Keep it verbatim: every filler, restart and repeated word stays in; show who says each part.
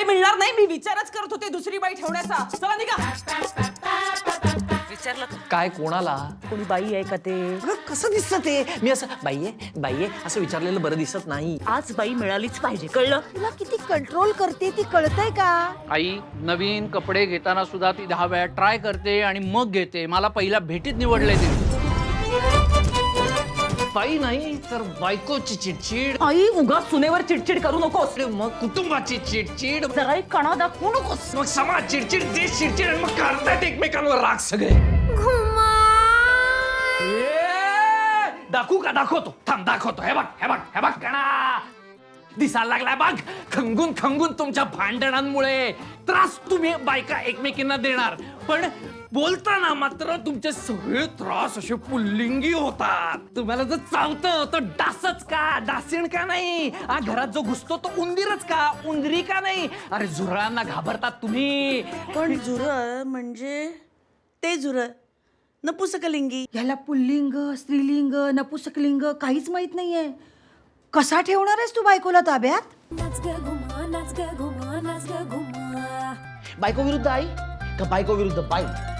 Speaker 1: बाई मिळणार नाही. मी विचारच करत होते दुसरी बाई ठेवण्याचा. चला निघा. विचारलं का?
Speaker 2: काय कोणाला?
Speaker 1: कोणी बाई आहे का ते?
Speaker 2: अगं कसं दिसतं ते? मी असं बाई आहे बाई आहे असं विचारलेलं बरं दिसत नाही.
Speaker 1: आज बाई मिळालीच पाहिजे, कळलं?
Speaker 3: तुला किती कंट्रोल करते ती कळतंय का?
Speaker 4: आई नवीन कपडे घेताना सुद्धा ती दहा वेळा ट्राय करते आणि मग घेते. मला पहिल्या भेटीत निवडले ते.
Speaker 2: बाई नाही तर बायकोची चिडचिड,
Speaker 1: आई उगा सुनेवर चिडचिड करू नकोस.
Speaker 2: मग कुटुंबाची चिडचिड,
Speaker 1: जरा एक कणा दाखवू नकोस.
Speaker 2: मग समाज चिडचिड, देश चिडचिड आणि मग करतायत एकमेकांवर राग सगळे. ए, दाखवू का? दाखवतो, थांब दाखवतो. हे बघ हे बघ हे बघ कणा दिसायला लागलाय बघ. खंगून खंगून तुमच्या भांडणांमुळे त्रास तुम्ही बायका एकमेकींना देणार, पण बोलताना मात्र तुमचे सगळे त्रास असे पुल्लिंगी होतात. तुम्हाला जर चावतं तर डासच का? डासीण का नाही? हा घरात जो घुसतो तो उंदीरच का? उंदरी का नाही? अरे झुरळांना घाबरतात तुम्ही.
Speaker 3: पण झुरळ म्हणजे ते झुरळ नपुसकलिंगी.
Speaker 5: याला पुल्लिंग स्त्रीलिंग नपुसकलिंग काहीच माहित नाहीये. कसा ठेवणार आहेस तू बायकोला ताब्यात?
Speaker 6: नाच ग घुमा नाच ग घुमा नाच ग घुमा.
Speaker 7: बायको विरुद्ध आई का बायको विरुद्ध बाई?